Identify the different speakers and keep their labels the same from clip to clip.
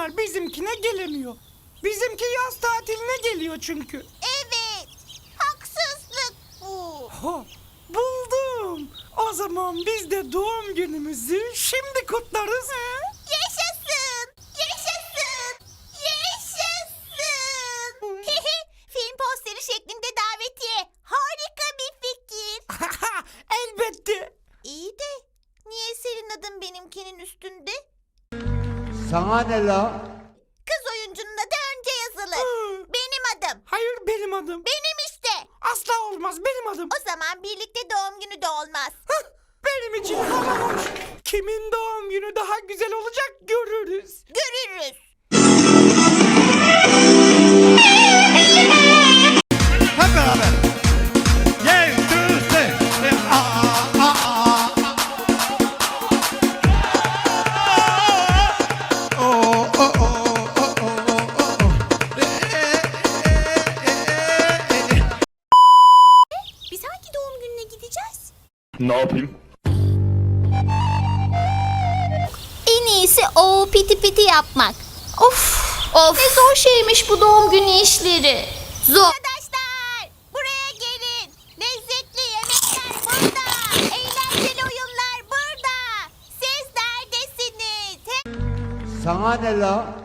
Speaker 1: onlar bizimkine gelemiyor. Bizimki yaz tatiline geliyor çünkü.
Speaker 2: Evet. Haksızlık bu.
Speaker 1: Ha, buldum. O zaman biz de doğum günümüzü şimdi kutlarız.
Speaker 2: Yaşasın. Yaşasın. Yaşasın. Film posteri şeklinde davetiye. Harika bir fikir.
Speaker 1: Elbette.
Speaker 2: İyi de niye senin adın benimkinin üstünde?
Speaker 3: Sana ne la?
Speaker 2: Kız oyuncunun adı önce yazılır. Benim adım.
Speaker 1: Hayır, benim adım.
Speaker 2: Benim işte.
Speaker 1: Asla olmaz, benim adım.
Speaker 2: O zaman birlikte doğum günü de olmaz.
Speaker 1: Benim için hava hoş. Kimin doğum günü daha güzel olacak görürüz.
Speaker 2: Görürüz.
Speaker 4: Hep beraber. Gel, düzle.
Speaker 2: Biz hangi doğum gününe gideceğiz?
Speaker 5: Ne yapayım?
Speaker 2: En iyisi o piti piti yapmak. Of. Ne zor şeymiş bu doğum günü işleri. Zor. Arkadaşlar buraya gelin. Lezzetli yemekler burada. Eğlenceli oyunlar burada. Siz neredesiniz?
Speaker 3: Sana ne la?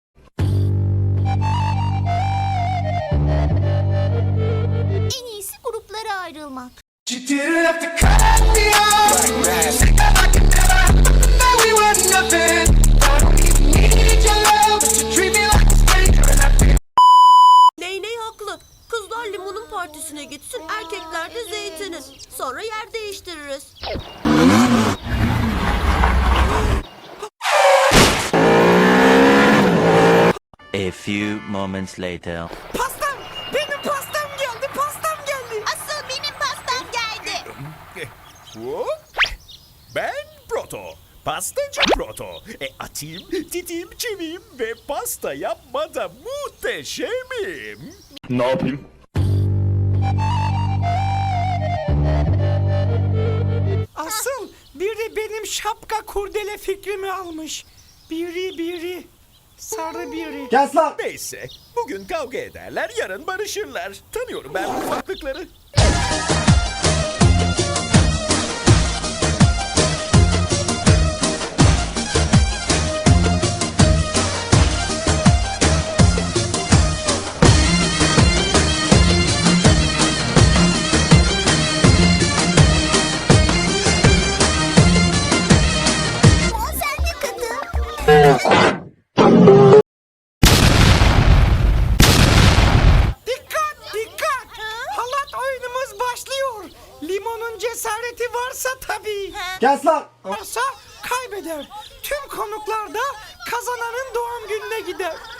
Speaker 2: En iyisi gruplara ayrılmak.
Speaker 6: Neyney haklı. Kızlar limonun partisine gitsin, erkekler de zeytinin. Sonra yer değiştiririz.
Speaker 7: A few moments later.
Speaker 1: Pastam, benim pastam geldi, pastam geldi.
Speaker 2: Asıl benim pastam geldi.
Speaker 5: Ben Proto. Pastacı Proto. Atayım, titeyim, çeviyim ve pasta yapmada muhteşemim. Ne yapayım?
Speaker 1: Asıl biri benim şapka kurdele fikrimi almış. Biri. Sarı biri.
Speaker 3: Kes lan!
Speaker 5: Neyse, bugün kavga ederler, yarın barışırlar. Tanıyorum ben bu ufaklıkları.
Speaker 2: Limon sen de katıl.
Speaker 1: Dikkat! Halat oyunumuz başlıyor. Limonun cesareti varsa tabii.
Speaker 3: Kes lan!
Speaker 1: Varsa kaybeder. Tüm konuklar da kazananın doğum gününe gider.